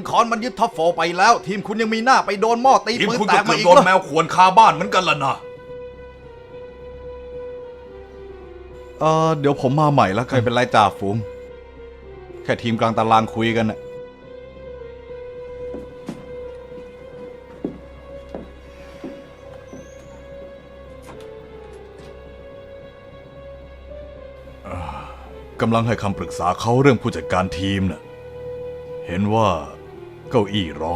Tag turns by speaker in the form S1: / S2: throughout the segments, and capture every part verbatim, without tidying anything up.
S1: คอนมันยึดท็อปโฟร์ไปแล้วทีมคุณยังมีหน้าไปโดนหม้อตี
S2: ทีม
S1: ปืน
S2: คุณ
S1: แต
S2: ก็
S1: ก
S2: เกื
S1: มา
S2: อบ
S1: อีก
S2: โดน
S1: เหรอ
S2: แมวข่วนคาบ้านเหมือนกันล่ะนะ
S1: เออเดี๋ยวผมมาใหม่แล้วใครเป็นไรจ่าฝูงแค่ทีมกลางตารางคุยกันนะกำลังให้คำปรึกษาเขาเรื่องผู้จัดการทีมน่ะเห็นว่าเก้าอี้ร้อน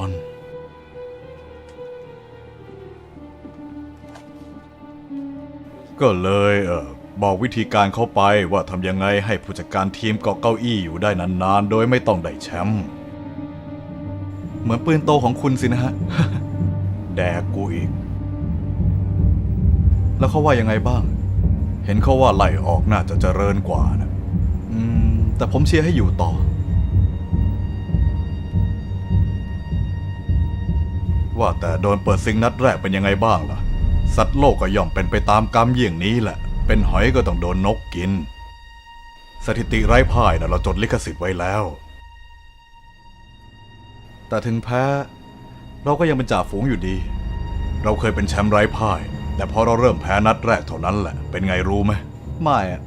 S1: ก็เลยเออบอกวิธีการเขาไปว่าทำยังไงให้ผู้จัดการทีมเกาะเก้าอี้อยู่ได้นานๆโดยไม่ต้องได้แชมป์เหมือนปืนโตของคุณสินะฮะ แดกกูอีก แล้วเขาว่ายังไงบ้าง เห็นเขาว่าไล่ออกน่าจะเจริญกว่านะอืมแต่ผมเชียร์ให้อยู่ต่อ ว่าแต่โดนเปิดซิงนัดแรกเป็นยังไงบ้างล่ะสัตว์โลกก็ย่อมเป็นไปตามกรรมเยี่ยงนี้แหละเป็นหอยก็ต้องโดนนกกินสถิติไร้พ่ายนะเราจดลิขสิทธิ์ไว้แล้วแต่ถึงแพ้เราก็ยังเป็นจ่าฝูงอยู่ดีเราเคยเป็นแชมป์ไร้พ่ายแต่พอเราเริ่มแพ้นัดแรกเท่านั้นแหละเป็นไงรู้ไหมไม่อะ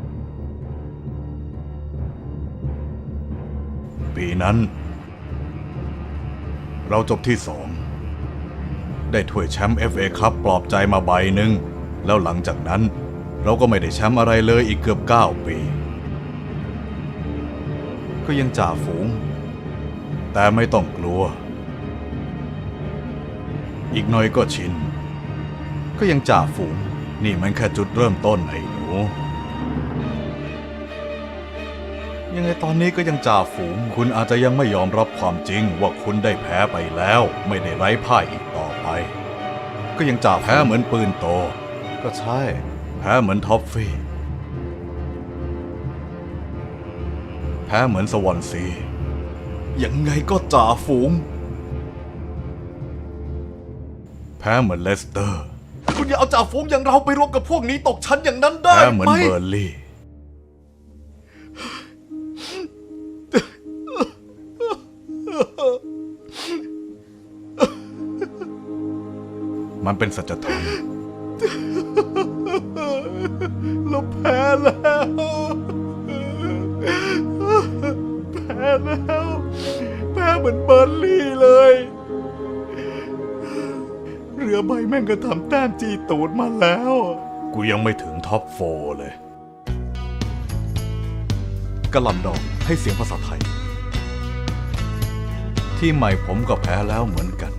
S1: ปีนั้นเราจบที่สองได้ถ้วยแชมป์ เอฟ เอ คัพปลอบใจมาใบหนึ่งแล้วหลังจากนั้นเราก็ไม่ได้แชมป์อะไรเลยอีกเกือบเก้าปีก็ยังจ่าฝูงแต่ไม่ต้องกลัวอีกหน่อยก็ชินก็ยังจ่าฝูงนี่มันแค่จุดเริ่มต้นไอ้หนูยังไงตอนนี้ก็ยังจ่าฝูงคุณอาจจะยังไม่ยอมรับความจริงว่าคุณได้แพ้ไปแล้วไม่ได้ไร้พ่ายอีกต่อไปก็ยังจ่าแพ้เหมือนปืนโตก็ใช่แพ้เหมือนท็อฟฟี่แพ้เหมือนสวอนซียังไงก็จ่าฝูงแพ้เหมือนเลสเตอร์คุณอย่าเอาจ่าฝูงอย่างเราไปรวมกับพวกนี้ตกชั้นอย่างนั้นได้ไหมแพ้เหมือนเบอร์ลี่มันเป็นสัจธรรมเราแพ้แล้วแพ้แล้วแพ้เหมือนเบอร์ลี่เลยเรือใบแม่งก็ทำแต้มจีตูดมาแล้วกูยังไม่ถึงท็อปโฟร์เลยกระหล่ำดอกให้เสียงภาษาไทยที่ใหม่ผมก็แพ้แล้วเหมือนกัน